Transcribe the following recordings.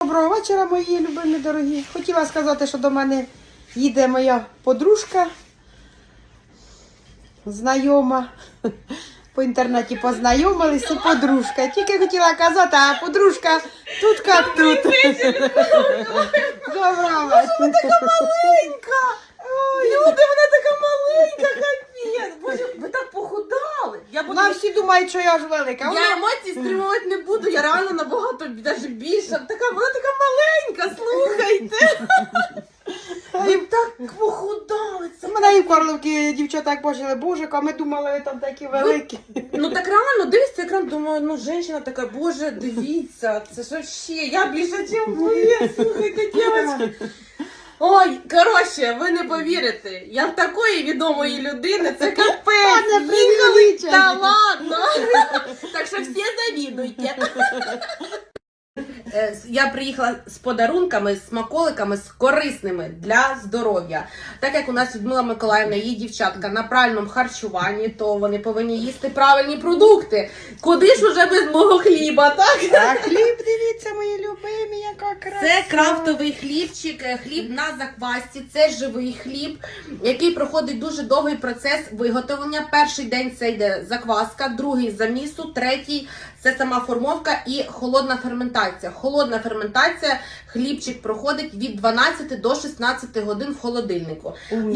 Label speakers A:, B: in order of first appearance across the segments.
A: Доброго вечора, мої любимі дорогі. Хотіла сказати, що до мене їде моя подружка, знайома. По інтернеті познайомилися, подружка. Тільки хотіла казати, а подружка тут як тут. Доброго вечора.
B: Вона така маленька. Люди, вона така маленька, капець. Боже, ви так похудали.
A: Вона всі думають, що я ж велика.
B: Я емоції стримувати не буду, я реально набагато навіть більша. Вона така маленька, слухайте. Ви так похудали. Це
A: мене і в Карловці дівчата як бачили, боже, а ми думали, ви там такі великі.
B: Ну так реально, дивись цей екран, думаю, ну жінка така, боже, дивіться, це ж вообще, я більше, ніж ви, слухайте, дівчатки. Ой, коротше, ви не повірите, я в такої відомої людини, це капець, їхали, та ладно. Так що всі завідуйте. Я приїхала з подарунками, з смаколиками, з корисними для здоров'я. Так як у нас Людмила Миколаївна, її дівчатка на правильному харчуванні, то вони повинні їсти правильні продукти. Куди ж уже без мого хліба, так?
A: А хліб, дивіться, мої любимі, яка краса.
B: Це крафтовий хлібчик, хліб на заквасці, це живий хліб, який проходить дуже довгий процес виготовлення. Перший день це йде закваска, другий замісу, третій це сама формовка і холодна ферментація. Холодна ферментація, хлібчик проходить від 12 до 16 годин в холодильнику. І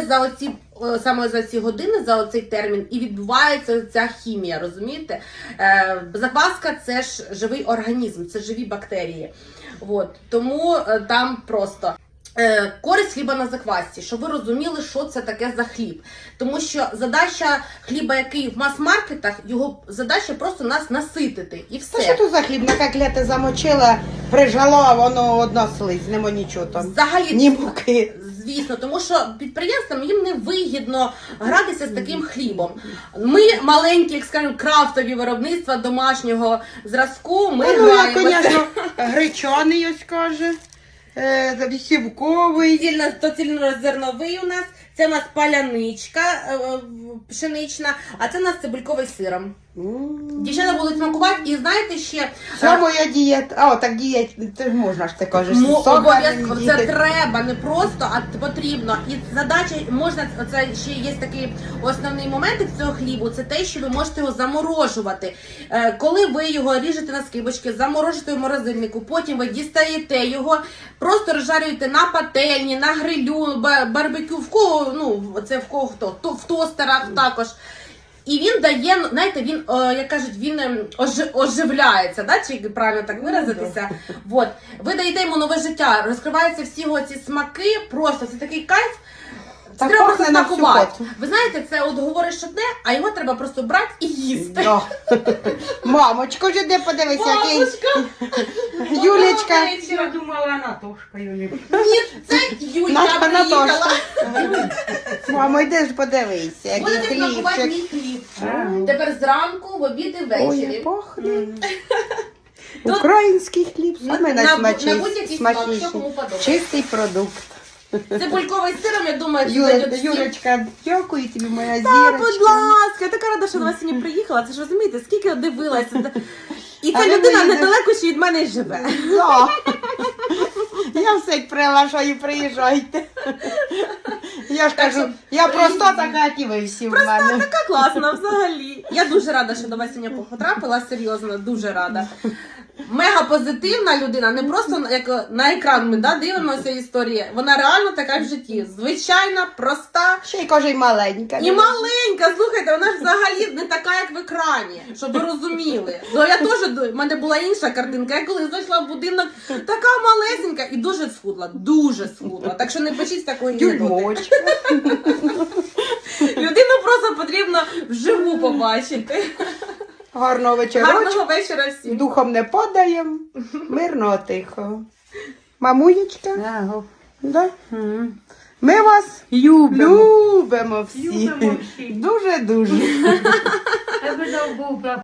B: саме за ці години, за оцей термін, і відбувається ця хімія, розумієте? Закваска – це ж живий організм, це живі бактерії. От. Тому там просто... Користь хліба на заквасці, щоб ви розуміли, що це таке за хліб. Тому що задача хліба, який в мас-маркетах, його задача просто нас наситити і все.
A: Та що тут за хліб? На котлети замочила, прижало, а воно одна слизь, нема нічого там.
B: Взагалі,
A: ні муки.
B: Звісно, тому що підприємствам їм не вигідно гратися з таким хлібом. Ми маленькі, як скажемо, крафтові виробництва домашнього зразку, ми граємося.
A: Звісно, гречаний ось каже. Сівковий.
B: Цільнозерновий у нас, це у нас паляничка пшенична, а це у нас цибульковий сиром. Дівчата будуть смакувати, і знаєте ще...
A: Це моя дієта. А, так дієт, це ж можна ж ти кажеш.
B: Обов'язково, це треба, не просто, а потрібно. І задача, можна, це ще є такий основний момент цього хлібу, це те, що ви можете його заморожувати. Коли ви його ріжете на скибочки, заморожуєте в морозильнику, потім ви дістаєте його, просто розжарюєте на пательні, на грилю, барбекю, в кого, ну, це в кого хто, в тостерах також. І він дає, знаєте, він, як кажуть, він оживляється, да? Чи правильно так виразитися? Вот. Ви даєте йому нове життя, розкриваються всі його ці смаки, просто це такий кайф. Це треба просто смакувати. Ви знаєте, це от говориш одне, а його треба просто брати і їсти.
A: Да. Мамочко, вже де подивися, який... Юлечка.
C: Я думала, Анатошка Юлічка.
B: Ні, це Юлька приїхала.
A: Мамо, йди ж подивися, який
B: Будете смакувати
A: хлібчик.
B: мій хліб. Тепер зранку, в обід і
A: Ой,
B: ввечері.
A: пахне. Український хліб, саме
B: на будь-який смак, що
A: найсмачніший.
B: кому подобається.
A: Чистий продукт.
B: Цибульковий сиром, я думаю, це зайде всім.
A: Юлечка, дякую тобі, моя
B: Та,
A: зірочка.
B: будь ласка, я така рада, що до вас сьогодні приїхала. Це ж розумієте, скільки я дивилася. І ця
A: Але
B: людина
A: ми
B: недалеко ще від мене живе.
A: Да. Я все приглашаю, приїжджайте. Я ж кажу, я просто така, і ви всі в мене.
B: Така класна взагалі. Я дуже рада, що до вас сьогодні потрапила, серйозно, дуже рада. Мега позитивна людина, не просто як на екран ми дивимося історії. Вона реально така в житті. Звичайна, проста.
A: Ще й каже, і маленька.
B: І маленька, слухайте, вона ж взагалі не така, як в екрані, щоб ви розуміли. Ну, я теж, в мене була інша картинка. Я коли зайшла в будинок, така малесенька і дуже схудла, дуже схудла. Так що не пишіть з такої гідоти.
A: Дюймочка.
B: Людину просто потрібно вживу побачити.
A: Гарного вечора.
B: Гарного вечора всім.
A: Духом не падаємо. Мирного, тихого. Мамуєчка.
C: Ага.
A: Да? Ми вас любимо всі.
C: Любимо всі.
A: Дуже-дуже.
C: Тебе був